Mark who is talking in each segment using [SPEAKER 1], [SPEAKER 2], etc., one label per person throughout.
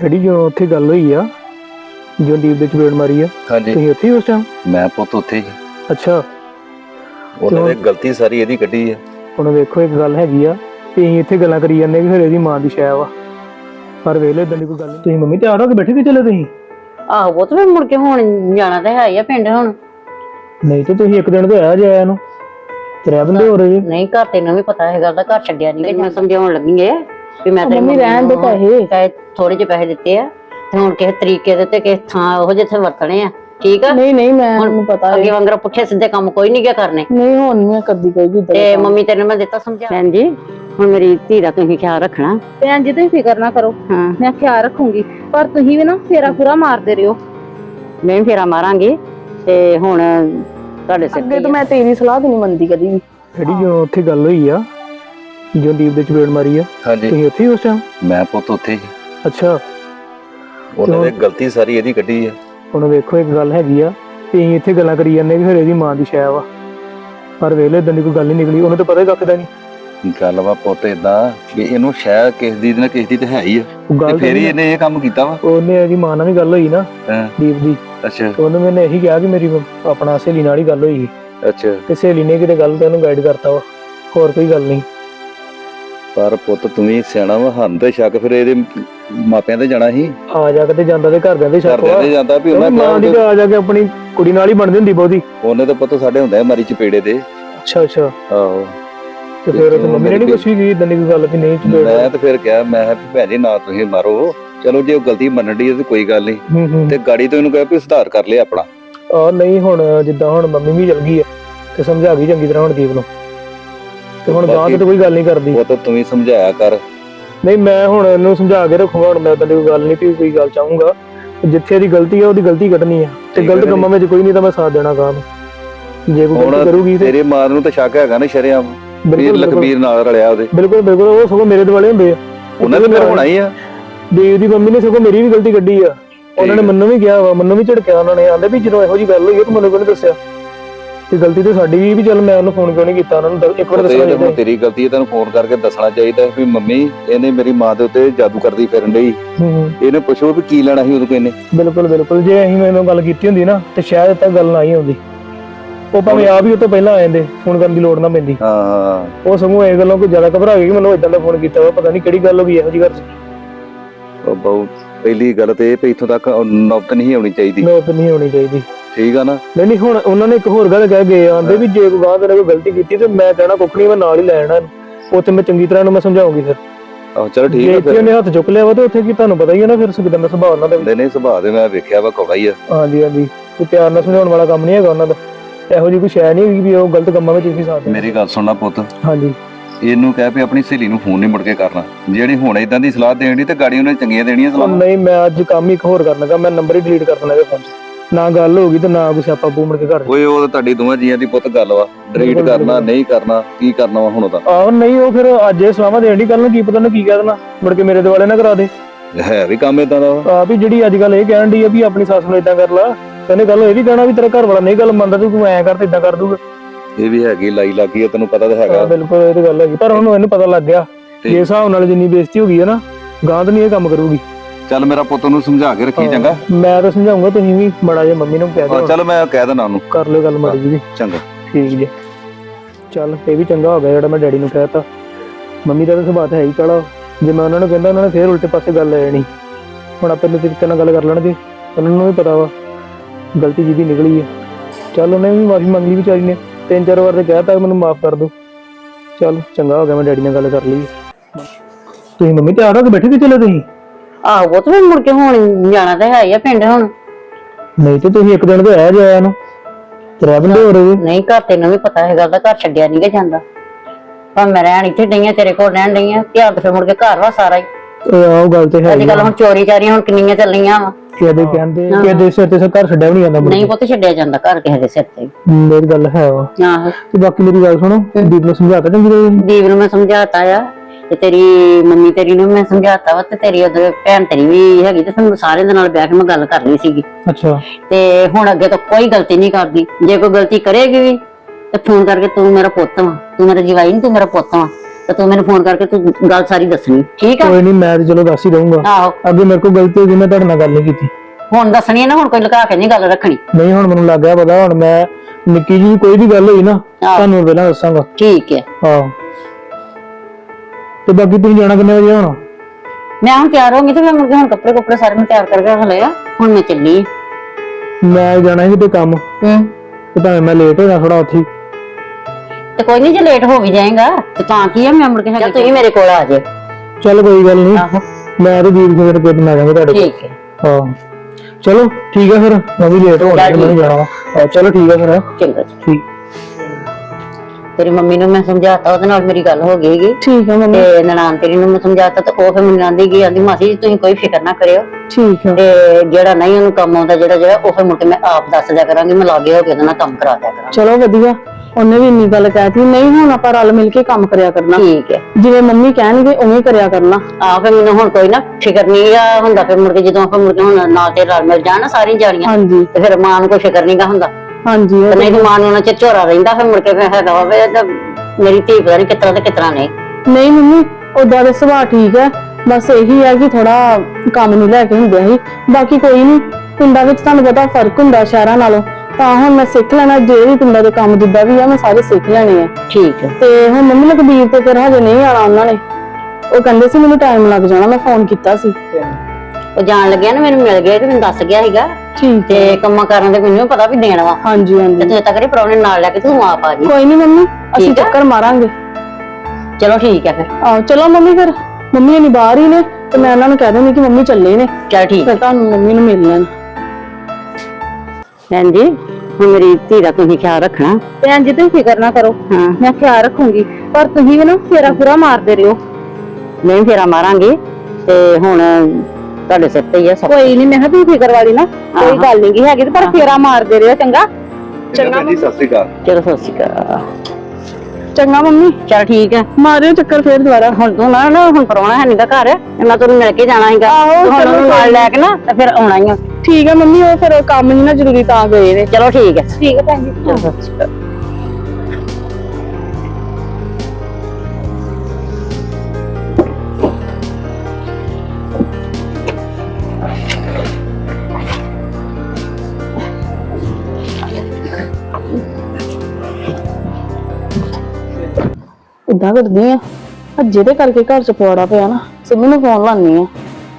[SPEAKER 1] ਜਿਹੜੀ ਜੋ ਉੱਥੇ ਗੱਲ ਹੋਈ ਆ, ਜੋ ਦੀਪ ਦੇ ਚਪੇੜ ਮਾਰੀ ਆ,
[SPEAKER 2] ਹਾਂਜੀ
[SPEAKER 1] ਤੁਸੀਂ ਉੱਥੇ ਹੀ ਉਸ ਟਾਈਮ?
[SPEAKER 2] ਮੈਂ ਪੁੱਤ ਉੱਥੇ ਹੀ।
[SPEAKER 1] ਅੱਛਾ,
[SPEAKER 2] ਉਹਨਾਂ ਨੇ ਗਲਤੀ ਸਾਰੀ ਇਹਦੀ ਕੱਢੀ ਆ।
[SPEAKER 1] ਹੁਣ ਵੇਖੋ ਇੱਕ ਗੱਲ ਹੈਗੀ ਆ ਕਿ ਅਸੀਂ ਇੱਥੇ ਗੱਲਾਂ ਕਰੀ ਜਾਂਦੇ ਕਿ ਫਿਰ ਇਹਦੀ ਮਾਂ ਦੀ ਸ਼ਾਇ ਵਾ, ਪਰ ਵੇਖ ਲਓ ਇਦਾਂ ਦੀ ਕੋਈ ਗੱਲ ਨਹੀਂ। ਤੁਸੀਂ ਮੰਮੀ ਤਿਆਰ ਹੋ ਕੇ ਬੈਠੇ ਕਿ ਚਲੇ ਤੁਸੀਂ?
[SPEAKER 3] ਆਹੋ ਪੁੱਤ ਫਿਰ ਮੁੜ ਕੇ ਹੁਣ ਜਾਣਾ ਤਾਂ ਹੈ ਹੀ ਆ ਪਿੰਡ ਹੁਣ।
[SPEAKER 1] ਨਹੀਂ ਤੇ ਤੁਸੀਂ ਇੱਕ ਦਿਨ ਤੋਂ ਆਇਆ ਜੇ ਆਇਆ ਨੂੰ, ਤੇਰੇ ਬੰਦੇ ਹੋ ਰਹੇ।
[SPEAKER 3] ਨਹੀਂ ਘਰ ਤੈਨੂੰ ਵੀ ਪਤਾ ਹੈਗਾ ਦਾ, ਘਰ ਛੱਡਿਆ ਨਹੀਂ। ਮੈਂ ਸਮਝਾਉਣ ਲੱਗੀ ਏ ਵੀ ਮੈਂ ਤੇਰੀ
[SPEAKER 4] ਮੰਮੀ ਰਹਿਣ ਦੇ ਪੈਸੇ
[SPEAKER 3] ਥੋੜੇ ਜਿਹੇ ਪੈਸੇ ਦਿੱਤੇ ਆ ਤੇ ਹੁਣ ਕਿਸੇ ਤਰੀਕੇ ਦੇ ਤੇ ਕਿਸੇ ਥਾਂ ਉਹ ਜਿੱਥੇ ਵਰਤਣੇ ਆ, ਠੀਕ ਆ?
[SPEAKER 4] ਨਹੀਂ ਨਹੀਂ ਮੈਂ ਮੈਨੂੰ ਪਤਾ
[SPEAKER 3] ਅੱਗੇ ਵਾਂਗਰ ਪੁੱਠੇ ਸਿੱਧੇ ਕੰਮ ਕੋਈ ਨਹੀਂ ਗਿਆ ਕਰਨੇ।
[SPEAKER 4] ਨਹੀਂ ਹੁਣ ਨੀ ਮੈਂ ਕਰਦੀ ਕੋਈ ਵੀ
[SPEAKER 3] ਤੇ ਮੰਮੀ ਤੇਰੇ ਮੈਂ ਦਿੱਤਾ ਸਮਝਾ। ਭੈਣ ਜੀ ਹੁਣ ਮੇਰੀ ਧੀ ਦਾ ਤੁਸੀਂ ਖਿਆਲ ਰੱਖਣਾ।
[SPEAKER 4] ਭੈਣ ਜੀ ਤੁਸੀਂ ਫਿਕਰ ਨਾ ਕਰੋ,
[SPEAKER 3] ਹਾਂ
[SPEAKER 4] ਮੈਂ ਖਿਆਲ ਰੱਖੂੰਗੀ, ਪਰ ਤੁਸੀਂ ਵੀ ਨਾ ਫੇਰਾ ਫੁਰਾ ਮਾਰਦੇ ਰਹੋ।
[SPEAKER 3] ਮੈਂ ਵੀ ਫੇਰਾ ਮਾਰਾਂਗੀ ਤੇ ਹੁਣ ਤੁਹਾਡੇ ਸਿਰ
[SPEAKER 4] ਅੱਗੇ
[SPEAKER 3] ਤੇ
[SPEAKER 4] ਤਾਂ ਮੈਂ ਤੇਰੀ ਸਲਾਹ ਤੇ ਨਹੀਂ ਮੰਨਦੀ ਕਦੀ ਵੀ।
[SPEAKER 1] ਜਿਹੜੀ ਜੋ ਉੱਥੇ ਗੱਲ ਹੋਈ ਆ, ਜੋ ਦੀਪ ਦੇ ਚਪੇੜ ਮਾਰੀ ਆ,
[SPEAKER 2] ਹਾਂਜੀ
[SPEAKER 1] ਤੁਸੀਂ ਉੱਥੇ ਹੀ ਉਸ ਟਾਈਮ?
[SPEAKER 2] ਮੈਂ ਪੁੱਤ ਉੱਥੇ ਹੀ।
[SPEAKER 1] ਅੱਛਾ,
[SPEAKER 2] ਉਹਨਾਂ ਨੇ ਗਲਤੀ ਸਾਰੀ ਇਹਦੀ ਕੱਢੀ ਆ।
[SPEAKER 1] ਹੁਣ ਵੇਖੋ ਇੱਕ ਗੱਲ ਹੈਗੀ ਆ ਕਿ ਅਸੀਂ ਇੱਥੇ ਗੱਲਾਂ ਕਰੀ ਜਾਂਦੇ ਕਿ ਫਿਰ ਇਹਦੀ ਮਾਂ ਦੀ ਸ਼ਾਇ ਵਾ, ਪਰ ਵੇਖ ਲਓ ਇਦਾਂ ਦੀ ਕੋਈ ਗੱਲ ਨਹੀਂ ਨਿਕਲੀ। ਉਹਨੂੰ ਤਾਂ ਪਤਾ ਹੀ ਕੱਖ ਦਾ ਨਹੀਂ।
[SPEAKER 2] ਗੱਲ ਵਾ ਪੁੱਤ ਏਦਾਂ ਵੀ ਇਹਨੂੰ ਸ਼ਾਇਦ ਕਿਸੇ ਦੀ ਨਾ ਕਿਸੇ ਦੀ ਤੇ ਹੈ ਹੀ ਆ,
[SPEAKER 1] ਉਹ
[SPEAKER 2] ਤੇ
[SPEAKER 1] ਗੱਲ
[SPEAKER 2] ਫੇਰ ਹੀ ਇਹਨੇ ਇਹ ਕੰਮ ਕੀਤਾ ਵਾ।
[SPEAKER 1] ਉਹਨੇ ਇਹਦੀ ਮਾਂ ਨਾਲ ਵੀ ਗੱਲ ਹੋਈ ਨਾ,
[SPEAKER 2] ਹਾਂ,
[SPEAKER 1] ਦੀਪ ਦੀ,
[SPEAKER 2] ਅੱਛਾ
[SPEAKER 1] ਤੇ ਉਹਨੂੰ ਮੈਨੇ ਇਹੀ ਕਿਹਾ ਕਿ ਮੇਰੀ ਆਪਣਾ ਸਹੇਲੀ ਨਾਲ ਹੀ ਗੱਲ ਹੋਈ,
[SPEAKER 2] ਅੱਛਾ।
[SPEAKER 1] ਤੇ ਸਹੇਲੀ ਨੇ ਕਿਤੇ ਗੱਲ ਤੇ ਉਹਨੂੰ ਗਾਈਡ ਕਰਤਾ ਵਾ, ਹੋਰ ਕੋਈ ਗੱਲ ਨਹੀਂ।
[SPEAKER 2] ਪਰ ਪੁੱਤ ਤੂੰ ਵੀ ਸਿਆਣਾ ਵਾ, ਹਨ ਤੇ ਸ਼ੱਕ ਫਿਰ ਇਹਦੇ ਮਾਪਿਆਂ ਤੇ ਜਾਣਾ ਸੀ,
[SPEAKER 1] ਆ ਜਾ ਕੇ ਤੇ ਜਾਂਦਾ ਤੇ ਘਰਦਿਆਂ ਦੇ ਸ਼ੱਕ
[SPEAKER 2] ਘਰਦਿਆਂ
[SPEAKER 1] ਵਾ।
[SPEAKER 2] ਤੇ ਜਾਂਦਾ ਵੀ
[SPEAKER 1] ਉਹਦੀ ਮਾਂ ਦੀ
[SPEAKER 2] ਉਹਨਾਂ
[SPEAKER 1] ਤੇ ਆ ਜਾ ਕੇ ਆਪਣੀ ਕੁੜੀ ਨਾਲ ਹੀ ਬਣਦੀ ਹੁੰਦੀ ਬਹੁਤੀ।
[SPEAKER 2] ਉਹਨੇ ਤਾਂ ਪੁੱਤ ਸਾਡੇ ਹੁੰਦੇ ਮਾਰੀ ਚਪੇੜੇ ਤੇ।
[SPEAKER 1] ਅੱਛਾ ਅੱਛਾ,
[SPEAKER 2] ਆਹੋ
[SPEAKER 1] ਤੇ ਫਿਰ ਉਹ ਮੰਮੀ ਨੇ ਨਹੀਂ ਕੁਛ ਵੀ ਕੀ ਇਦਾਂ ਦੀ ਕੋਈ ਗੱਲ ਵੀ ਨਹੀਂ ਚਪੇੜ?
[SPEAKER 2] ਮੈਂ ਤੇ ਫਿਰ ਕਿਹਾ, ਮੈਂ ਕਿਹਾ ਵੀ ਭੈਣ ਜੀ ਨਾ ਤੁਸੀਂ ਮਾਰੋ, ਚਲੋ ਜੇ ਉਹ ਗਲਤੀ ਮੰਨਣ ਦੀ ਤੇ ਕੋਈ ਗੱਲ ਨਹੀਂ, ਤੇ ਗਾੜੀ ਤੋਂ ਇਹਨੂੰ ਕਿਹਾ ਵੀ ਸੁਧਾਰ ਕਰ ਲਿਆ ਆਪਣਾ।
[SPEAKER 1] ਆ ਨਹੀਂ ਹੁਣ ਜਿੱਦਾਂ ਹੁਣ ਮੰਮੀ ਵੀ ਚਲ ਗਈ ਆ ਤੇ ਸਮਝਾ ਗਈ ਚੰਗੀ ਤਰ੍ਹਾਂ ਹੁਣ ਦੀਪ ਨੂੰ, ਤੇ ਹੁਣ ਗਾਂ ਤੇ ਕੋਈ ਗੱਲ ਨਹੀਂ ਕਰਦੀ।
[SPEAKER 2] ਉਹ ਤਾਂ ਤੂੰ ਵੀ ਸਮਝਾਇਆ ਕਰ।
[SPEAKER 1] ਨਹੀਂ ਮੈਂ ਹੁਣ ਇਹਨੂੰ ਸਮਝਾ ਕੇ ਰੱਖੂਗਾ, ਹੁਣ ਮੈਂ ਇਦਾਂ ਦੀ ਕੋਈ ਗੱਲ ਨਹੀਂ ਵੀ ਕੋਈ ਗੱਲ ਚਾਹੂੰਗਾ। ਜਿੱਥੇ ਦੀ ਗਲਤੀ ਆ ਉਹਦੀ ਗਲਤੀ ਕੱਢਣੀ ਆ, ਤੇ ਗਲਤ ਕੰਮਾਂ ਵਿੱਚ ਕੋਈ ਨਹੀਂ ਤਾਂ ਮੈਂ ਸਾਥ ਦੇਣਾ ਗਾਂ ਨੂੰ। ਜੇ ਕੋਈ ਗਲਤੀ ਕਰੂਗੀ ਤੇ
[SPEAKER 2] ਤੇਰੇ ਮਾਂ ਨੂੰ ਤਾਂ ਸ਼ੱਕ ਹੈਗਾ ਨਾ ਸ਼ਰਿਆਮ, ਵੀਰ ਲਖਬੀਰ ਨਾਲ ਰਲਿਆ ਉਹਦੇ।
[SPEAKER 1] ਬਿਲਕੁਲ ਬਿਲਕੁਲ, ਉਹ ਸਗੋਂ ਮੇਰੇ ਦੁਆਲੇ ਹੁੰਦੇ ਆ।
[SPEAKER 2] ਉਹਨਾਂ ਨੇ ਫਿਰ ਹੋਣਾ ਹੀ ਆ।
[SPEAKER 1] ਦੀਪ ਦੀ ਮੰਮੀ ਨੇ ਸਗੋਂ ਮੇਰੀ ਵੀ ਗਲਤੀ ਕੱਢੀ ਆ, ਉਹਨਾਂ ਨੇ ਮੈਨੂੰ ਵੀ ਕਿਹਾ ਵਾ, ਮੈਨੂੰ ਵੀ ਝਿੜਕਿਆ ਉਹਨਾਂ ਨੇ, ਆਂਦੇ ਵੀ ਜਦੋਂ ਇਹੋ ਜੀ ਗੱਲ ਹੋਈ ਤੂੰ ਮੈਨੂੰ ਕਿਉਂ ਨੀ ਦੱਸਿਆ? ਤੇ ਗਲਤੀ ਤੇ ਸਾਡੀ ਵੀ ਚੱਲ ਮੈਂ ਉਹਨੂੰ ਫੋਨ ਕਿਉਂ ਨਹੀਂ ਕੀਤਾ, ਉਹਨਾਂ ਨੂੰ ਇੱਕ ਵਾਰ ਦੱਸਣਾ ਚਾਹੀਦਾ।
[SPEAKER 2] ਤੇਰੀ ਗਲਤੀ ਹੈ, ਤੈਨੂੰ ਫੋਨ ਕਰਕੇ ਦੱਸਣਾ ਚਾਹੀਦਾ ਵੀ ਮੰਮੀ ਇਹਨੇ ਮੇਰੀ ਮਾਂ ਦੇ ਉੱਤੇ ਜਾਦੂ ਕਰਦੀ ਫਿਰਨ ਡਈ। ਇਹਨੇ ਪੁੱਛੋ ਵੀ ਕੀ ਲੈਣਾ ਸੀ ਉਹਦੇ ਕੋਲ ਇਹਨੇ।
[SPEAKER 1] ਬਿਲਕੁਲ ਬਿਲਕੁਲ, ਜੇ ਅਸੀਂ ਮੈਨੂੰ ਗੱਲ ਕੀਤੀ ਹੁੰਦੀ ਨਾ ਤੇ ਸ਼ਾਇਦ ਤੱਕ ਗੱਲ ਨਾ ਹੀ ਆਉਂਦੀ। ਉਹ ਭਾਵੇਂ ਆਪ ਹੀ ਉਹ ਤੋਂ ਪਹਿਲਾਂ ਆ ਜਾਂਦੇ, ਫੋਨ ਕਰਨ ਦੀ ਲੋੜ ਨਾ ਪੈਂਦੀ।
[SPEAKER 2] ਹਾਂ
[SPEAKER 1] ਉਹ ਸਗੋਂ ਇਹ ਗੱਲੋਂ ਕੋਈ ਜ਼ਿਆਦਾ ਘਬਰਾ ਗਈ ਕਿ ਮੈਨੂੰ ਇਦਾਂ ਦਾ ਫੋਨ ਕੀਤਾ ਵਾ, ਪਤਾ ਨਹੀਂ ਕਿਹੜੀ ਗੱਲ ਹੋ ਗਈ ਇਹੋ ਜਿਹੀ ਘਰ 'ਚ।
[SPEAKER 2] ਉਹ ਬਹੁਤ ਪਹਿਲੀ ਗੱਲ ਤੇ ਇਹ ਵੀ ਇੱਥੋਂ ਤੱਕ ਨੌਬਤ ਨਹੀਂ ਆਉਣੀ ਚਾਹੀਦੀ।
[SPEAKER 1] ਨੌਬਤ ਨਹੀਂ ਹੋਣੀ ਚਾਹੀਦੀ,
[SPEAKER 2] ਠੀਕ ਆ ਨਾ?
[SPEAKER 1] ਨਹੀਂ ਹੁਣ ਉਹਨਾਂ ਨੇ ਇੱਕ ਹੋਰ ਗੱਲ ਕਹਿ ਗਏ, ਆਂਦੇ ਵੀ ਜੇ ਕੋਈ ਗਾਂ ਤੇਰੇ ਕੋਈ ਗਲਤੀ ਕੀਤੀ ਤੇ ਮੈਂ ਕਹਿਣਾ ਕੁੱਖ ਨਹੀਂ, ਮੈਂ ਨਾਲ ਹੀ ਲੈ ਜਾਣਾ। ਉੱਥੇ ਮੈਂ ਚੰਗੀ ਤਰ੍ਹਾਂ ਨੂੰ ਮੈਂ ਸਮਝਾਉਂਗੀ ਫਿਰ।
[SPEAKER 2] ਆਹੋ ਚਲੋ ਠੀਕ
[SPEAKER 1] ਜੇ
[SPEAKER 2] ਹੈ
[SPEAKER 1] ਇੱਥੇ ਉਹਨੇ ਹੱਥ ਚੁੱਕ ਲਿਆ ਵਾ ਤੇ ਉੱਥੇ ਕੀ ਤੁਹਾਨੂੰ ਪਤਾ ਹੀ ਹੈ ਨਾ ਫਿਰ ਕਿਦਾਂ ਦਾ ਸੁਭਾਅ ਉਹਨਾਂ ਦਾ।
[SPEAKER 2] ਨੇ ਸੁਭਾਅ ਦੇ ਮੈਂ ਵੇਖਿਆ ਵਾ ਕੌੜਾ ਹੀ ਆ।
[SPEAKER 1] ਹਾਂਜੀ ਹਾਂਜੀ, ਕੋਈ ਪਿਆਰ ਨਾਲ ਸਮਝਾਉਣ ਵਾਲਾ ਕੰਮ ਨਹੀਂ ਹੈਗਾ ਉਹਨਾਂ ਦਾ। ਇਹੋ ਜਿਹੀ ਕੋਈ ਸ਼ੈ ਨਹੀਂ ਹੈਗੀ ਵੀ ਉਹ ਗਲਤ ਕੰਮਾਂ ਵਿੱਚ ਵੀ ਸਾਥ ਦੇ।
[SPEAKER 2] ਮੇਰੀ ਗੱਲ ਸੁਣਨਾ ਪੁੱਤ,
[SPEAKER 1] ਹਾਂਜੀ
[SPEAKER 2] ਇਹਨੂੰ ਕਹਿ ਵੀ ਆਪਣੀ ਸਹੇਲੀ ਨੂੰ ਫੋਨ ਨਹੀਂ ਮੁੜ ਕੇ ਕਰਨਾ। ਜਿਹੜੀ ਹੁਣ ਇਦਾਂ ਦੀ ਸਲਾਹ ਦੇਣੀ ਤੇ ਗਾੜੀ ਉਹਨੇ ਚੰਗੀਆਂ ਦੇਣੀਆਂ ਸਲਾਹ।
[SPEAKER 1] ਨਹੀਂ ਮੈਂ ਅੱਜ ਕੰਮ ਹੀ ਇੱਕ ਹੋਰ ਕਰਨ ਲੱਗਾ, ਮੈਂ ਨੰਬਰ ਹੀ ਡਿਲੀਟ ਕਰ ਦੇਣਾ ਇਹਦੇ ਫੋਨ 'ਚ। ਨਾ ਗੱਲ ਹੋਗੀ ਤੇ ਨਾ ਕੋਈ ਸਿਆਪਾ ਪੂ ਮੁੜ ਕੇ ਘਰ।
[SPEAKER 2] ਓਏ ਉਹ ਤਾਂ ਤੁਹਾਡੀ ਦੋਵਾਂ ਜੀਆਂ ਦੀ ਪੁੱਤ ਗੱਲ ਵਾ, ਡਿਲੀਟ ਕਰਨਾ ਨਹੀਂ ਕਰਨਾ ਕੀ ਕਰਨਾ ਵਾ ਹੁਣ ਉਹਦਾ।
[SPEAKER 1] ਆਹੋ ਨਹੀਂ ਉਹ ਫਿਰ ਅੱਜ ਇਹ ਸਲਾਹਾਂ ਦੇਣ ਦੀ, ਕੱਲ ਨੂੰ ਕੀ ਪਤਾ ਉਹਨੇ ਕੀ ਕਹਿ ਦੇਣਾ ਮੁੜ ਕੇ ਮੇਰੇ ਦੁਆਲੇ ਨਾ ਕਰਾ ਦੇ।
[SPEAKER 2] ਹੈ ਵੀ ਕੰਮ ਇਦਾਂ ਦਾ ਵਾ।
[SPEAKER 1] ਆ ਵੀ ਜਿਹੜੀ ਅੱਜ ਕੱਲ ਇਹ ਕਹਿਣ ਦੀ ਆ ਵੀ ਆਪਣੀ ਸੱਸ ਨੂੰ ਇਦਾਂ ਕਰ ਲਾ, ਕਹਿੰਦੇ ਕੱਲ ਇਹ ਵੀ ਕਹਿਣਾ ਵੀ ਤੇਰਾ ਘਰ ਵਾਲਾ ਨਹੀਂ ਗੱਲ ਮੰਨਦਾ, ਤੂੰ ਐਂ ਕਰ ਤੇ ਇਦਾਂ ਕਰ ਦੂਗਾ।
[SPEAKER 2] ਇਹ ਵੀ ਹੈਗੀ ਲਾਈ ਲੱਗੀ ਆ, ਤੈਨੂੰ ਪਤਾ ਤਾਂ ਹੈਗਾ।
[SPEAKER 1] ਬਿਲਕੁਲ ਇਹ ਤਾਂ ਗੱਲ ਹੈਗੀ, ਪਰ ਹੁਣ ਇਹਨੂੰ ਪਤਾ ਲੱਗ ਗਿਆ ਜੇ ਹਿਸਾਬ ਨਾਲ ਜਿੰਨੀ ਬੇਇੱਜ਼ਤੀ ਹੋ ਗਈ ਹੈ ਨਾ, ਗਾਂ ਤਾਂ ਨਹੀਂ ਇਹ ਕੰਮ ਕਰੂਗੀ।
[SPEAKER 2] ਚੱਲ ਮੇਰਾ ਪੁੱਤ ਨੂੰ ਸਮਝਾ ਕੇ ਰੱਖੀ ਚੰਗਾ।
[SPEAKER 1] ਮੈਂ ਤਾਂ ਸਮਝਾਉਂਗਾ, ਤੁਸੀਂ ਵੀ ਮਾੜਾ ਜਿਹਾ ਮੰਮੀ ਨੂੰ ਕਹਿ ਦਿਓ।
[SPEAKER 2] ਚੱਲ ਮੈਂ ਕਹਿ ਦੇਣਾ ਉਹਨੂੰ,
[SPEAKER 1] ਕਰ ਲਿਓ ਗੱਲ ਮਾੜੀ ਜੀ।
[SPEAKER 2] ਚੰਗਾ
[SPEAKER 1] ਠੀਕ ਜੀ। ਚੱਲ ਇਹ ਵੀ ਚੰਗਾ ਹੋ ਗਿਆ ਜਿਹੜਾ ਮੈਂ ਡੈਡੀ ਨੂੰ ਕਹਿਤਾ। ਮੰਮੀ ਦਾ ਤਾਂ ਸੁਭਾਅ ਤਾਂ ਹੈ ਹੀ ਕਾਲਾ, ਜੇ ਮੈਂ ਉਹਨਾਂ ਨੂੰ ਕਹਿੰਦਾ ਉਹਨਾਂ ਨੇ ਫੇਰ ਉਲਟੇ ਪਾਸੇ ਗੱਲ ਲੈ ਜਾਣੀ। ਹੁਣ ਆਪਣੇ ਤਰੀਕੇ ਨਾਲ ਗੱਲ ਕਰ ਲੈਣਗੇ, ਉਹਨਾਂ ਨੂੰ ਵੀ ਪਤਾ ਵਾ ਗਲਤੀ ਜਿਹਦੀ ਨਿਕਲੀ ਹੈ। ਚੱਲ ਉਹਨੇ ਵੀ ਮਾਫੀ ਮੰਗ ਲਈ ਵਿਚਾਰੀ ਨੇ, 3-4 ਵਾਰ ਤੇ ਕਹਿਤਾ ਮੈਨੂੰ ਮਾਫ ਕਰ ਦਿਓ। ਚੱਲ ਚੰਗਾ ਹੋ ਗਿਆ ਮੈਂ ਡੈਡੀ ਨਾਲ ਗੱਲ ਕਰ ਲਈ। ਤੁਸੀਂ ਮੰਮੀ ਤਿਆਰ ਹੋ ਕੇ ਬੈਠੇ ਕਿ ਚਲੇ ਤੁਸੀਂ?
[SPEAKER 3] ਆਹੋ ਪੁੱਤ ਫਿਰ ਮੁੜ ਕੇ ਹੁਣ ਜਾਣਾ ਤਾਂ ਹੈ ਹੀ ਆ ਪਿੰਡ ਹੁਣ।
[SPEAKER 1] ਨਹੀਂ ਤੇ ਤੁਸੀਂ ਇੱਕ ਦਿਨ ਤੋਂ ਆਇਆ ਜੇ ਆਇਆ ਨੂੰ, ਤੇਰੇ ਬੰਦੇ ਹੋ ਰਹੇ।
[SPEAKER 3] ਨਹੀਂ ਘਰ ਤੈਨੂੰ ਵੀ ਪਤਾ ਹੈਗਾ ਦਾ, ਘਰ ਛੱਡਿਆ ਨਹੀਂ ਜਾਂਦਾ। ਭਾਵੇਂ ਮੈਂ ਰਹਿਣ ਇੱਥੇ ਡਈ ਆ, ਤੇਰੇ ਕੋਲ ਰਹਿਣ ਡਈ ਆ, ਧਿਆਨ ਤਾਂ ਫਿਰ ਮੁੜ ਕੇ ਘਰ ਵਾ ਸਾਰਾ ਹੀ।
[SPEAKER 1] ਆਹ ਗੱਲ ਤੇ ਹੈ।
[SPEAKER 3] ਅੱਜ ਕੱਲ ਹੁਣ ਚੋਰੀ ਚਾਰੀਆਂ ਹੁਣ ਕਿੰਨੀਆਂ ਚੱਲੀਆਂ ਵਾ।
[SPEAKER 1] ਕਿਹਦੇ ਕਹਿੰਦੇ ਕਿਹਦੇ ਸਿਰ ਤੇ ਘਰ ਛੱਡਿਆ ਵੀ ਨਹੀਂ ਜਾਂਦਾ।
[SPEAKER 3] ਨਹੀਂ ਪੁੱਤ ਛੱਡਿਆ ਜਾਂਦਾ ਘਰ ਕਿਸੇ ਦੇ ਸਿਰ ਤੇ।
[SPEAKER 1] ਮੇਰੀ ਗੱਲ ਹੈ ਵਾ।
[SPEAKER 3] ਆਹੋ
[SPEAKER 1] ਤੇ ਬਾਕੀ ਮੇਰੀ ਗੱਲ ਸੁਣੋ, ਦੀਪ ਨੂੰ ਸਮਝਾਤਾ ਚੰਗੀ ਤਰ੍ਹਾਂ?
[SPEAKER 3] ਦੀਪ ਨੂੰ ਮੈਂ ਸਮਝਾਤਾ ਆ, ਤੇ ਤੇਰੀ ਮੰਮੀ ਤੇਰੀ ਨੂੰ ਮੈਂ ਸਮਝਾਤਾ ਵਾ, ਤੇ ਤੇਰੀ ਉਧਰ ਭੈਣ ਤੇਰੀ ਵੀ ਹੈਗੀ, ਤੇ ਤੁਹਾਨੂੰ ਸਾਰਿਆਂ ਦੇ ਨਾਲ ਬੈਠ ਕੇ ਮੈਂ ਗੱਲ ਕਰ ਲਈ ਸੀਗੀ।
[SPEAKER 1] ਅੱਛਾ,
[SPEAKER 3] ਤੇ ਹੁਣ ਅੱਗੇ ਤੋਂ ਕੋਈ ਗਲਤੀ ਨਹੀਂ ਕਰਦੀ। ਜੇ ਕੋਈ ਗਲਤੀ ਕਰੇਗੀ ਵੀ ਤੇ ਫੋਨ ਕਰਕੇ ਤੂੰ ਮੇਰਾ ਪੁੱਤ ਵਾ, ਤੂੰ ਮੇਰਾ ਜਵਾਈ ਨਹੀਂ, ਤੂੰ ਮੇਰਾ ਪੁੱਤ ਵਾ, ਤੇ ਤੂੰ ਮੈਨੂੰ ਫੋਨ ਕਰਕੇ ਤੂੰ ਗੱਲ ਸਾਰੀ ਦੱਸਣੀ, ਠੀਕ ਆ?
[SPEAKER 1] ਕੋਈ ਨਹੀਂ, ਮੈਂ ਤੇ ਚਲੋ ਦੱਸ ਹੀ ਦਊਂਗਾ।
[SPEAKER 3] ਆਹੋ,
[SPEAKER 1] ਅੱਗੇ ਮੇਰੇ ਕੋਲ ਗਲਤੀ ਹੋ ਗਈ, ਮੈਂ ਤੁਹਾਡੇ ਨਾਲ ਗੱਲ ਨਹੀਂ ਕੀਤੀ।
[SPEAKER 3] ਹੁਣ ਦੱਸਣੀ ਹੈ ਨਾ, ਹੁਣ ਕੋਈ ਲੁਕਾ ਕੇ ਨਹੀਂ ਗੱਲ ਰੱਖਣੀ।
[SPEAKER 1] ਨਹੀਂ, ਹੁਣ ਮੈਨੂੰ ਲੱਗ ਗਿਆ ਪਤਾ। ਹੁਣ ਮੈਂ ਨਿੱਕੀ ਜੀ ਕੋਈ ਵੀ ਗੱਲ ਹੋਈ ਨਾ ਤੁਹਾਨੂੰ ਪਹਿਲਾਂ ਦੱਸਾਂਗਾ।
[SPEAKER 3] ਠੀਕ ਹੈ।
[SPEAKER 1] ਹਾਂ, ਤੇ ਬਾਕੀ ਤੁਸੀਂ ਜਾਣਾ ਕਿੰਨੇ ਵਜੇ ਹੋਣਾ?
[SPEAKER 3] ਮੈਂ ਹੁਣ ਤਿਆਰ ਹੋਊਂਗੀ ਤੇ ਮੈਂ ਮੁੜ ਕੇ ਹੁਣ ਕੱਪੜੇ ਸਾਰੇ ਮੈਂ ਤਿਆਰ ਕਰਕੇ ਰੱਖ ਲਏ ਆ। ਹੁਣ ਮੈਂ ਚੱਲੀ।
[SPEAKER 1] ਮੈਂ ਜਾਣਾ ਸੀ ਕਿਤੇ ਕੰਮ, ਤੇ ਭਾਵੇਂ ਮੈਂ ਲੇਟ ਹੋ ਜਾ ਥੋੜਾ ਉੱਥੇ।
[SPEAKER 3] ਤੇ ਕੋਈ ਨਹੀਂ, ਜੇ ਲੇਟ ਹੋ ਵੀ ਜਾਏਗਾ ਤੇ ਤਾਂ ਕੀ ਆ, ਮੈਂ ਮੁੜ ਕੇ ਤੁਸੀਂ ਮੇਰੇ ਕੋਲ ਆ ਜਾਓ।
[SPEAKER 1] ਚੱਲ ਕੋਈ ਗੱਲ ਨਹੀਂ,
[SPEAKER 3] ਆਹੋ,
[SPEAKER 1] ਮੈਂ ਤੇ ਵੀਰ ਫਿਰ ਕਿਤੇ ਆ ਜਾਵਾਂਗੇ ਤੁਹਾਡੇ ਕੋਲ।
[SPEAKER 3] ਠੀਕ ਹੈ।
[SPEAKER 1] ਹਾਂ ਚਲੋ ਠੀਕ ਹੈ, ਫਿਰ ਮੈਂ ਵੀ ਲੇਟ ਹੋ ਰਿਹਾ, ਮੈਂ ਜਾਣਾ ਵਾ। ਚਲੋ ਠੀਕ ਹੈ ਫਿਰ।
[SPEAKER 3] ਚੰਗਾ ਜੀ।
[SPEAKER 1] ਠੀਕ।
[SPEAKER 3] ਤੇਰੀ ਮੰਮੀ ਨੂੰ ਮੈਂ ਸਮਝਾਤਾ, ਉਹਦੇ ਨਾਲ ਮੇਰੀ ਗੱਲ ਹੋ ਗਈਗੀ।
[SPEAKER 4] ਠੀਕ ਹੈ ਮੰਮੀ।
[SPEAKER 3] ਤੇ ਨਨਾਣ ਤੇਰੀ ਨੂੰ ਮੈਂ ਸਮਝਾਤਾ, ਤੇ ਉਹ ਫਿਰ ਮੈਨੂੰ ਆਂਦੀ ਮਾਸੀ ਜੀ ਤੁਸੀਂ ਕੋਈ ਫਿਕਰ ਨਾ ਕਰਿਓ,
[SPEAKER 4] ਠੀਕ ਹੈ।
[SPEAKER 3] ਤੇ ਜਿਹੜਾ ਨਹੀਂ ਉਹਨੂੰ ਕੰਮ ਆਉਂਦਾ ਜਿਹੜਾ ਉਹ ਫਿਰ ਮੁੜ ਕੇ ਮੈਂ ਆਪ ਦੱਸ ਦਿਆ ਕਰਾਂਗੀ, ਮੈਂ ਲਾਗੇ ਹੋ ਕੇ ਉਹਦੇ ਨਾਲ ਕੰਮ ਕਰਾ ਦਿਆ ਕਰਾਂਗੀ।
[SPEAKER 4] ਚਲੋ ਵਧੀਆ, ਉਹਨੇ ਵੀ ਇੰਨੀ ਗੱਲ ਕਹਿਤੀ। ਨਹੀਂ, ਹੁਣ ਆਪਾਂ ਰਲ ਮਿਲ ਕੇ ਕੰਮ ਕਰਿਆ ਕਰਨਾ,
[SPEAKER 3] ਠੀਕ ਹੈ।
[SPEAKER 4] ਜਿਵੇਂ ਮੰਮੀ ਕਹਿਣਗੇ ਉਵੇਂ ਕਰਿਆ ਕਰਨਾ।
[SPEAKER 3] ਆ ਫਿਰ ਮੈਨੂੰ ਹੁਣ ਕੋਈ ਨਾ ਫਿਕਰ ਨਹੀਂ ਆ ਹੁੰਦਾ। ਫਿਰ ਮੁੜ ਕੇ ਜਦੋਂ ਆਪਾਂ ਮੁੜ ਕੇ ਹੁਣ ਨਾਲ ਤੇ ਰਲ ਮਿਲ ਜਾਣ ਨਾ ਸਾਰੀ ਜਾਣੀਆਂ,
[SPEAKER 4] ਹਾਂਜੀ
[SPEAKER 3] ਤੇ ਫਿਰ ਮਾਂ ਨੂੰ ਕੋਈ ਫਿਕਰ ਨਹੀਂਗਾ ਹੁੰਦਾ।
[SPEAKER 4] ਹਾਂਜੀ,
[SPEAKER 3] ਤੇ ਨਹੀਂ ਤੇ ਮਾਂ ਨੂੰ ਉਹਨਾਂ ਚ ਝੋਰਾ ਰਹਿੰਦਾ, ਫਿਰ ਮੁੜ ਕੇ ਫਿਰ ਹੈਗਾ ਵਾ ਮੇਰੀ ਧੀ ਪਤਾ ਨਹੀਂ ਕਿਤਨਾ ਤੇ ਕਿਤਨਾ ਨਹੀਂ।
[SPEAKER 4] ਨਹੀਂ ਮੰਮੀ, ਉਦਾਂ ਦੇ ਸੁਭਾਅ ਠੀਕ ਹੈ, ਬਸ ਇਹੀ ਹੈ ਕਿ ਥੋੜਾ ਕੰਮ ਨੂੰ ਲੈ ਕੇ ਹੁੰਦਿਆ ਸੀ। ਬਾਕੀ ਕੋਈ ਨਹੀਂ, ਪਿੰਡਾਂ ਵਿੱਚ ਤੁਹਾਨੂੰ ਪਤਾ ਫਰਕ ਹੁੰਦਾ ਸ਼ਹਿਰਾਂ ਨਾਲੋਂ, ਤਾਂ ਹੁਣ ਮੈਂ ਸਿੱਖ ਲੈਣਾ। ਜੇ ਵੀ ਪਿੰਡਾਂ ਦੇ ਕੰਮ ਜਿੱਦਾਂ ਵੀ ਆ ਮੈਂ ਸਾਰੇ ਸਿੱਖ ਲੈਣੇ ਆ।
[SPEAKER 3] ਠੀਕ ਹੈ।
[SPEAKER 4] ਤੇ ਹੁਣ ਮੰਮੀ ਲਖਬੀਰ ਤੇ ਫਿਰ ਹਜੇ ਨਹੀਂ ਆਣਾ ਉਹਨਾਂ ਨੇ। ਉਹ ਕਹਿੰਦੇ ਸੀ ਮੈਨੂੰ ਟਾਈਮ ਲੱਗ ਜਾਣਾ, ਮੈਂ ਫੋਨ ਕੀਤਾ ਸੀ।
[SPEAKER 3] ਉਹ ਜਾਣ ਲੱਗਿਆ ਨਾ ਮੈਨੂੰ ਮਿਲ ਗਿਆ ਤੇ ਮੈਨੂੰ ਦੱਸ ਗਿਆ ਸੀਗਾ,
[SPEAKER 4] ਠੀਕ
[SPEAKER 3] ਤੇ ਕੰਮਾਂ ਕਰਨ ਦੇ ਮੈਨੂੰ ਪਤਾ ਵੀ ਦੇਣ ਵਾ।
[SPEAKER 4] ਹਾਂਜੀ
[SPEAKER 3] ਤੇ
[SPEAKER 4] ਹਾਂਜੀ,
[SPEAKER 3] ਤੂੰ ਤੱਕ ਪ੍ਰਾਹੁਣੇ ਨਾਲ ਲੈ ਕੇ ਤੂੰ ਆਪ ਆ ਜੀ।
[SPEAKER 4] ਕੋਈ ਨਹੀਂ ਮੰਮੀ, ਅਸੀਂ
[SPEAKER 3] ਠੀਕ ਆ।
[SPEAKER 4] ਚੱਕਰ ਮਾਰਾਂਗੇ।
[SPEAKER 3] ਚਲੋ ਠੀਕ ਹੈ ਫਿਰ।
[SPEAKER 4] ਆਹੋ ਚਲੋ ਮੰਮੀ, ਫਿਰ ਮੰਮੀ ਨਹੀਂ ਬਾਹਰ ਹੀ ਨੇ, ਤੇ ਮੈਂ ਉਹਨਾਂ ਨੂੰ ਕਹਿ ਦਿੰਦੀ ਕਿ ਮੰਮੀ ਚੱਲੇ ਨੇ,
[SPEAKER 3] ਚਲ ਠੀਕ
[SPEAKER 4] ਫਿਰ ਤੁਹਾਨੂੰ ਮੰਮੀ ਨੂੰ ਮਿਲ ਲੈਣ।
[SPEAKER 3] ਭੈਣ ਜੀ, ਹੁਣ ਮੇਰੀ ਧੀ ਦਾ ਤੁਸੀਂ ਖਿਆਲ ਰੱਖਣਾ।
[SPEAKER 4] ਭੈਣ ਜੀ ਤੁਸੀਂ ਫਿਕਰ ਨਾ ਕਰੋ,
[SPEAKER 3] ਹਾਂ,
[SPEAKER 4] ਮੈਂ ਖਿਆਲ ਰੱਖੂੰਗੀ, ਪਰ ਤੁਸੀਂ ਵੀ ਨਾ ਫੇਰਾ ਪੂਰਾ ਮਾਰਦੇ ਰਹੋ।
[SPEAKER 3] ਨਹੀਂ ਫੇਰਾ ਮਾਰਾਂਗੇ, ਤੇ ਹੁਣ ਤੁਹਾਡੇ ਸਿਰ ਤੇ ਹੀ ਆ ਸਭ।
[SPEAKER 4] ਕੋਈ ਨਹੀਂ, ਮੈਂ ਕਿਹਾ ਤੁਸੀਂ ਫਿਕਰ ਵਾਲੀ ਨਾ ਕੋਈ ਗੱਲ ਨਹੀਂ ਗੀ ਹੈਗੀ, ਤੇ ਪਰ ਫੇਰਾ ਮਾਰਦੇ ਰਹੋ। ਚੰਗਾ
[SPEAKER 2] ਚੰਗਾ ਜੀ, ਸਤਿ ਸ੍ਰੀ ਅਕਾਲ।
[SPEAKER 3] ਚਲੋ ਸਤਿ ਸ਼੍ਰੀ ਅਕਾਲ।
[SPEAKER 4] ਚੰਗਾ ਮੰਮੀ,
[SPEAKER 3] ਚਲ ਠੀਕ ਹੈ।
[SPEAKER 4] ਮਾਰਿਓ ਚੱਕਰ ਫੇਰ ਦੁਬਾਰਾ।
[SPEAKER 3] ਹੁਣ ਤੂੰ ਨਾ ਹੁਣ ਪ੍ਰਾਹੁਣਾ ਹੈ ਨੀਗਾ ਘਰ, ਮੈਂ ਤੈਨੂੰ ਮਿਲ ਕੇ ਜਾਣਾ ਸੀਗਾ।
[SPEAKER 4] ਆਹੋ,
[SPEAKER 3] ਹੁਣ
[SPEAKER 4] ਚਲੋ
[SPEAKER 3] ਉਹਨੂੰ ਨਾਲ ਲੈ ਕੇ ਨਾ ਤੇ ਫਿਰ ਆਉਣਾ ਹੀ ਆ।
[SPEAKER 4] ਠੀਕ ਹੈ ਮੰਮੀ, ਉਹ ਫਿਰ ਕੰਮ ਨਹੀਂ ਨਾ ਜ਼ਰੂਰੀ ਤਾਂ ਗਏ ਨੇ।
[SPEAKER 3] ਚਲੋ ਠੀਕ ਹੈ।
[SPEAKER 4] ਠੀਕ ਹੈ ਭੈਣ ਜੀ।
[SPEAKER 3] ਚਲੋ ਸਤਿ ਸ਼੍ਰੀ ਅਕਾਲ।
[SPEAKER 4] ਇਦਾਂ ਕਰਦੀ ਆ, ਜਿਹਦੇ ਕਰਕੇ ਘਰ ਚ ਪਵਾੜਾ ਪਿਆ ਨਾ, ਸਿੰਮੀ ਨੂੰ ਫੋਨ ਲਾਉਣੀ ਆ।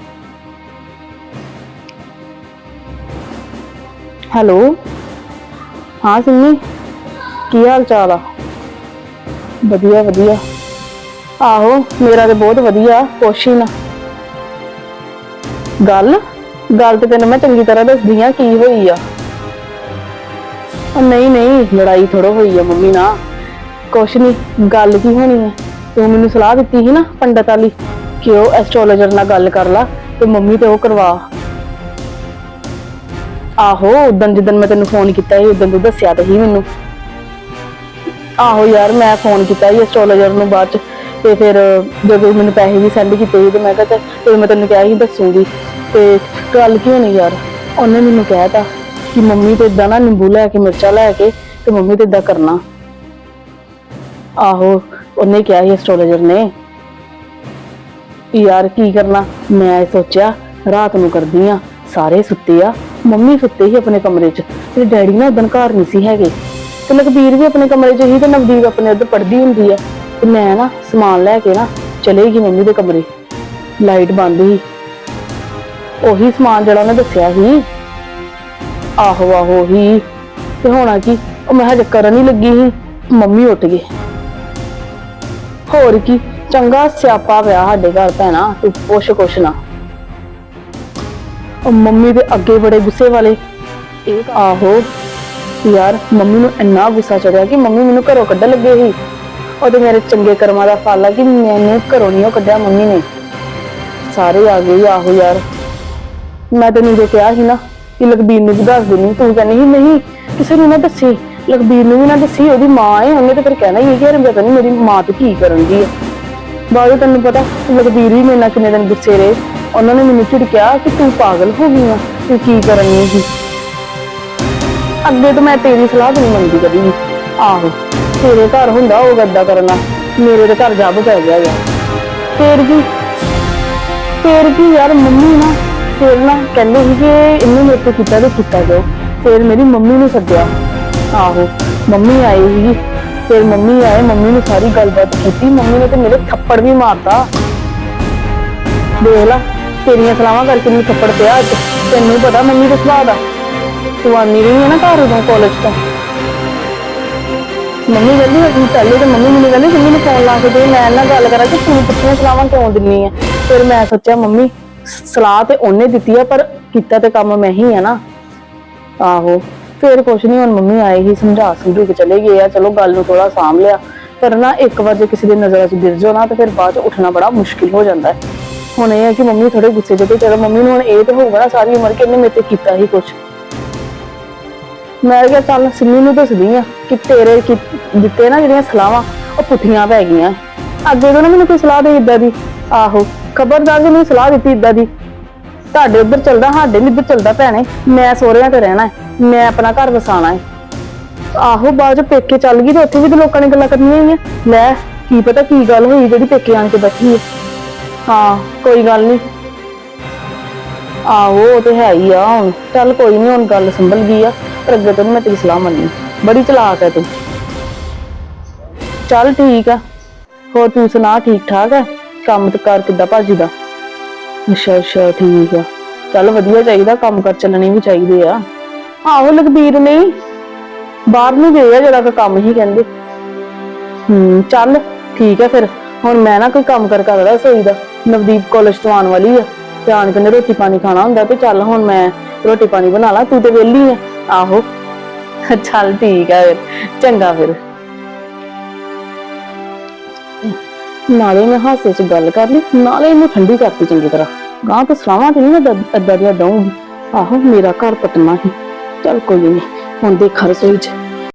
[SPEAKER 4] ਹੈਲੋ, ਹਾਂ ਸਿੰਮੀ, ਕੀ ਹਾਲ ਚਾਲ ਆ? ਵਧੀਆ ਵਧੀਆ। ਆਹੋ ਮੇਰਾ ਤੇ ਬਹੁਤ ਵਧੀਆ, ਪੁੱਛ ਹੀ ਨਾ। ਗੱਲ ਤੇ ਤੈਨੂੰ ਮੈਂ ਚੰਗੀ ਤਰ੍ਹਾਂ ਦੱਸਦੀ ਆ ਕੀ ਹੋਈ ਆ। ਨਹੀਂ ਨਹੀਂ, ਲੜਾਈ ਥੋੜੋ ਹੋਈ ਆ ਮੰਮੀ ਨਾਲ, ਕੁਛ ਨਹੀਂ। ਗੱਲ ਕੀ ਹੋਣੀ ਹੈ, ਤੂੰ ਮੈਨੂੰ ਸਲਾਹ ਦਿੱਤੀ ਸੀ ਨਾ ਪੰਡਤ ਵਾਲੀ ਕਿ ਉਹ ਐਸਟ੍ਰੋਲੋਜਰ ਨਾਲ ਗੱਲ ਕਰ ਲਾ ਤੇ ਮੰਮੀ ਤੇ ਉਹ ਕਰਵਾ। ਆਹੋ ਉਦੋਂ ਜਦੋਂ ਮੈਂ ਤੈਨੂੰ ਫੋਨ ਕੀਤਾ ਸੀ ਉਦੋਂ ਤੂੰ ਦੱਸਿਆ ਤਾਂ ਸੀ ਮੈਨੂੰ। ਆਹੋ ਯਾਰ, ਮੈਂ ਫੋਨ ਕੀਤਾ ਸੀ ਐਸਟ੍ਰੋਲੋਜਰ ਨੂੰ ਬਾਅਦ ਚ, ਤੇ ਫਿਰ ਜਦੋਂ ਮੈਨੂੰ ਪੈਸੇ ਵੀ ਸੈਂਡ ਕੀਤੇ ਸੀ ਤੇ ਮੈਂ ਕਿਹਾ ਤੇ ਮੈਂ ਤੈਨੂੰ ਕਿਹਾ ਸੀ ਦੱਸੂਗੀ। ਤੇ ਗੱਲ ਕੀ ਹੋਣੀ ਯਾਰ, ਉਹਨੇ ਮੈਨੂੰ ਕਹਿਤਾ ਕਿ ਮੰਮੀ ਤੇ ਇਦਾਂ ਨਾ ਨਿੰਬੂ ਲੈ ਕੇ ਮਿਰਚਾਂ ਲੈ ਕੇ ਤੇ ਮੰਮੀ ਤੇ ਇਦਾਂ ਕਰਨਾ। ਆਹੋ ਉਹਨੇ ਕਿਹਾ ਸੀ ਐਸਟ੍ਰੋਲੋਜਰ ਨੇ। ਯਾਰ ਕੀ ਕਰਨਾ, ਮੈਂ ਸੋਚਿਆ ਰਾਤ ਨੂੰ ਕਰਦੀ ਆ, ਸਾਰੇ ਸੁੱਤੇ ਆ, ਮੰਮੀ ਸੁੱਤੇ ਸੀ ਆਪਣੇ ਕਮਰੇ 'ਚ ਤੇ ਡੈਡੀ ਨਾ ਉਦੋਂ ਘਰ ਨਹੀਂ ਸੀ ਹੈਗੇ, ਤੇ ਲਖਬੀਰ ਵੀ ਆਪਣੇ ਕਮਰੇ 'ਚ ਸੀ ਤੇ ਨਵਦੀਪ ਆਪਣੇ ਉੱਧਰ ਪੜ੍ਹਦੀ ਹੁੰਦੀ ਆ। ਤੇ ਮੈਂ ਨਾ ਸਮਾਨ ਲੈ ਕੇ ਨਾ ਚਲੇਗੀ ਮੰਮੀ ਦੇ ਕਮਰੇ, ਲਾਈਟ ਬੰਦ ਸੀ, ਉਹੀ ਸਮਾਨ ਜਿਹੜਾ ਉਹਨੇ ਦੱਸਿਆ ਸੀ। ਆਹੋ ਆਹੋ ਹੀ, ਤੇ ਹੋਣਾ ਕੀ, ਉਹ ਮੈਂ ਹਜੇ ਕਰਨ ਹੀ ਲੱਗੀ ਸੀ, ਮੰਮੀ ਉੱਠ ਗਏ। ਹੋਰ ਕੀ, ਚੰਗਾ ਸਿਆਪਾ ਪਿਆ ਸਾਡੇ ਘਰ ਭੈਣਾ, ਤੂੰ ਪੁੱਛ ਕੁਛ ਨਾ। ਉਹ ਮੰਮੀ ਦੇ ਅੱਗੇ ਬੜੇ ਗੁੱਸੇ ਵਾਲੇ। ਇਹ ਆਹੋ ਯਾਰ, ਮੰਮੀ ਨੂੰ ਇੰਨਾ ਗੁੱਸਾ ਚੜਿਆ ਕਿ ਮੰਮੀ ਮੈਨੂੰ ਘਰੋਂ ਕੱਢਣ ਲੱਗੇ ਸੀ। ਉਹਦੇ ਮੇਰੇ ਚੰਗੇ ਕਰਮਾਂ ਦਾ ਫਲ ਆ ਕਿ ਮੈਨੂੰ ਘਰੋਂ ਨਹੀਂ ਉਹ ਕੱਢਿਆ ਮੰਮੀ ਨੇ, ਸਾਰੇ ਆ ਗਏ। ਆਹੋ ਯਾਰ, ਮੈਂ ਤੈਨੂੰ ਜੋ ਕਿਹਾ ਸੀ ਨਾ ਕਿ ਲਖਬੀਰ ਨੂੰ ਵੀ ਦੱਸ ਦੇਣੀ, ਤੂੰ ਕਹਿੰਦੀ ਸੀ ਨਹੀਂ ਕਿਸੇ ਨੂੰ ਨਾ ਦੱਸੀ, ਲਖਬੀਰ ਨੂੰ ਵੀ ਨਾ ਦੱਸੀ, ਉਹਦੀ ਮਾਂ ਹੈ, ਉਹਨੇ ਤੇ ਫਿਰ ਕਹਿਣਾ ਹੀ ਕਿ ਯਾਰ ਪਤਾ ਨਹੀਂ ਮੇਰੀ ਮਾਂ ਤੇ ਕੀ ਕਰਨ ਦੀ ਹੈ। ਬਾਅਦ ਤੈਨੂੰ ਪਤਾ ਲਖਬੀਰ ਵੀ ਮੇਰੇ ਨਾਲ ਕਿੰਨੇ ਦਿਨ ਗੁੱਸੇ ਰਹੇ, ਉਹਨਾਂ ਨੇ ਮੈਨੂੰ ਝਿੜਕਿਆ ਕਿ ਤੂੰ ਪਾਗਲ ਹੋ ਗਈ ਆ, ਤੂੰ ਕੀ ਕਰਨੀ ਸੀ। ਅੱਗੇ ਤੋਂ ਮੈਂ ਤੇਰੀ ਸਲਾਹ ਨਹੀਂ ਮੰਨਦੀ ਕਦੀ ਵੀ। ਆਹੋ ਤੇਰੇ ਘਰ ਹੁੰਦਾ ਉਹ ਗੱਦਾ ਕਰਨਾ, ਮੇਰੇ ਦੇ ਘਰ ਜੱਬ ਪੈ ਗਿਆ ਯਾਰ। ਫੇਰ ਕੀ ਯਾਰ, ਮੰਮੀ ਨਾ ਫਿਰ ਨਾ ਕਹਿੰਦੇ ਸੀ ਕਿ ਇਹਨੂੰ ਮੇਰੇ ਤੋਂ ਕੀਤਾ ਤੇ ਕੀਤਾ ਜਾਓ। ਫਿਰ ਮੇਰੀ ਮੰਮੀ ਨੂੰ ਸੱਦਿਆ, ਆਹੋ ਮੰਮੀ ਆਈ ਸੀਗੀ। ਫਿਰ ਮੰਮੀ ਆਏ, ਮੰਮੀ ਨੂੰ ਸਾਰੀ ਗੱਲਬਾਤ ਕੀਤੀ। ਮੰਮੀ ਨੇ ਤੇ ਮੇਰੇ ਥੱਪੜ ਵੀ ਮਾਰਤਾ। ਦੇਖ ਲਾ, ਤੇਰੀਆਂ ਸਲਾਹਾਂ ਕਰਕੇ ਮੈਨੂੰ ਥੱਪੜ ਪਿਆ ਅੱਜ। ਤੈਨੂੰ ਪਤਾ ਮੰਮੀ ਦੇ ਸੁਭਾਅ ਦਾ। ਤੂੰ ਆਨੀ ਰਹੀ ਹੈ ਨਾ ਘਰ ਉਦੋਂ ਕਾਲਜ ਤੋਂ। ਮੰਮੀ ਕਹਿੰਦੀ ਪਹਿਲੇ ਤਾਂ ਮੰਮੀ ਮੈਨੂੰ ਕਹਿੰਦੀ ਮੰਮੀ ਨੂੰ ਫੋਨ ਲਾ ਕੇ ਦੇ, ਮੈਂ ਨਾਲ ਗੱਲ ਕਰਾਂ ਕਿ ਤੂੰ ਪੁੱਛੀਆਂ ਸਲਾਹਾਂ ਕਿਉਂ ਦਿੰਨੀ ਆ। ਫਿਰ ਮੈਂ ਸੋਚਿਆ ਮੰਮੀ ਸਲਾਹ ਤੇ ਉਹਨੇ ਦਿੱਤੀ ਆ, ਪਰ ਕੀਤਾ ਤੇ ਕੰਮ ਮੈਂ ਹੀ ਆ ਨਾ। ਆਹੋ ਫਿਰ ਕੁਛ ਨੀ, ਹੁਣ ਮੰਮੀ ਆਏ ਹੀ ਸਮਝਾ ਸਮਝੂ ਕੇ ਚਲੇ ਗਏ ਆ। ਚਲੋ ਗੱਲ ਨੂੰ ਥੋੜਾ ਸਾਂਭ ਲਿਆ, ਪਰ ਨਾ ਇੱਕ ਵਾਰ ਜੇ ਕਿਸੇ ਦੀ ਨਜ਼ਰਾਂ 'ਚ ਗਿਰ ਜਾਓ ਨਾ ਤੇ ਫਿਰ ਬਾਅਦ 'ਚ ਉੱਠਣਾ ਬੜਾ ਮੁਸ਼ਕਿਲ ਹੋ ਜਾਂਦਾ ਹੈ। ਹੁਣ ਇਹ ਹੈ ਕਿ ਮੰਮੀ ਥੋੜੇ ਗੁੱਸੇ ਦੇ ਤੇ ਚਲੋ ਮੰਮੀ ਨੂੰ ਹੁਣ ਇਹ ਤੇ ਹੋਊਗਾ ਨਾ ਸਾਰੀ ਉਮਰ ਕਿ ਇਹਨੇ ਮੇਰੇ ਤੇ ਕੀਤਾ ਹੀ ਕੁਛ। ਮੈਂ ਕਿਹਾ ਚੱਲ ਸਿੰਮੀ ਨੂੰ ਦੱਸਦੀ ਆ ਕਿ ਤੇਰੇ ਦਿੱਤੇ ਨਾ ਜਿਹੜੀਆਂ ਸਲਾਹਾਂ ਉਹ ਪੁੱਠੀਆਂ ਪੈ ਗਈਆਂ। ਅੱਗੇ ਤੋਂ ਨਾ ਮੈਨੂੰ ਕੋਈ ਸਲਾਹ ਦੇ ਇੱਦਾਂ ਦੀ। ਆਹੋ ਖਬਰਦਾਰ ਜੇ ਮੈਨੂੰ ਸਲਾਹ ਦਿੱਤੀ ਇੱਦਾਂ ਦੀ। ਤੁਹਾਡੇ ਉੱਧਰ ਚੱਲਦਾ, ਸਾਡੇ ਨੀ ਇੱਧਰ ਚੱਲਦਾ ਭੈਣੇ। ਮੈਂ ਸਹੁਰਿਆਂ ਤੇ ਰਹਿਣਾ ਹੈ, ਮੈਂ ਆਪਣਾ ਘਰ ਵਸਾਣਾ ਹੈ। ਆਹੋ ਬਾਅਦ ਚ ਪੇਕੇ ਚੱਲ ਗਈ ਤੇ ਉੱਥੇ ਵੀ ਤਾਂ ਲੋਕਾਂ ਨੇ ਗੱਲਾਂ ਕਰਨੀਆਂ ਹੀ ਆ। ਲੈ ਕੀ ਪਤਾ ਕੀ ਗੱਲ ਹੋਈ ਜਿਹੜੀ ਪੇਕੇ ਆਣ ਕੇ ਬੈਠੀ ਹੈ। ਹਾਂ ਕੋਈ ਗੱਲ ਨੀ, ਆਹੋ ਉਹ ਤੇ ਹੈ ਹੀ ਆ। ਹੁਣ ਚੱਲ ਕੋਈ ਨੀ, ਹੁਣ ਗੱਲ ਸੰਭਲ ਗਈ ਆ। ਪਰ ਅੱਗੇ ਤੋਂ ਨੀ ਮੈਂ ਤੇਰੀ ਸਲਾਹ ਮੰਨਣੀ। ਬੜੀ ਚਲਾਕ ਹੈ ਤੂੰ। ਚੱਲ ਠੀਕ ਆ, ਹੋਰ ਤੂੰ ਸੁਣਾ, ਠੀਕ ਠਾਕ ਹੈ? ਕੰਮ ਤੇ ਕਾਰ ਕਿੱਦਾਂ ਭਾਜੀ ਦਾ? ਅੱਛਾ ਠੀਕ ਆ, ਚੱਲ ਵਧੀਆ ਚਾਹੀਦਾ, ਕੰਮ ਕਰ ਚੱਲਣੇ ਵੀ ਚਾਹੀਦੇ ਆ। ਆਹੋ ਲਖਬੀਰ ਨਹੀਂ ਬਾਹਰ ਨੂੰ ਗਏ ਆ, ਜਿਹੜਾ ਕੰਮ ਹੀ ਕਹਿੰਦੇ। ਚੱਲ ਠੀਕ ਹੈ ਫਿਰ। ਹੁਣ ਮੈਂ ਨਾ ਕੋਈ ਕੰਮ ਕਰ ਕਰਦਾ ਰਸੋਈ ਦਾ। ਨਵਦੀਪ ਕਾਲਜ ਤੋਂ ਆਉਣ ਵਾਲੀ ਆ, ਤੇ ਆਣ ਕੇ ਰੋਟੀ ਪਾਣੀ ਖਾਣਾ ਹੁੰਦਾ। ਤੇ ਚੱਲ ਹੁਣ ਮੈਂ ਰੋਟੀ ਪਾਣੀ ਬਣਾ ਲਾ, ਤੂੰ ਤੇ ਵਿਹਲੀ ਆ। ਆਹੋ ਚੱਲ ਠੀਕ ਆ ਫਿਰ, ਚੰਗਾ ਫਿਰ। ਨਾਲੇ ਮੈਂ ਹਾਸੇ 'ਚ ਗੱਲ ਕਰ ਲਈ, ਨਾਲੇ ਇਹਨੂੰ ਠੰਡੀ ਕਰਤੀ ਚੰਗੀ ਤਰ੍ਹਾਂ। ਗਾਂ ਤੋਂ ਸਲਾਹਾਂ ਤੇ ਨਹੀਂ ਮੈਂ ਏਦਾਂ ਦੀਆਂ ਦਊਂਗੀ। ਆਹੋ ਮੇਰਾ ਘਰ ਪਟਨਾ ਹੀ। ਚੱਲ ਕੋਈ ਨੀ, ਹੁਣ ਦੇਖਾ ਰਸੋਈ 'ਚ।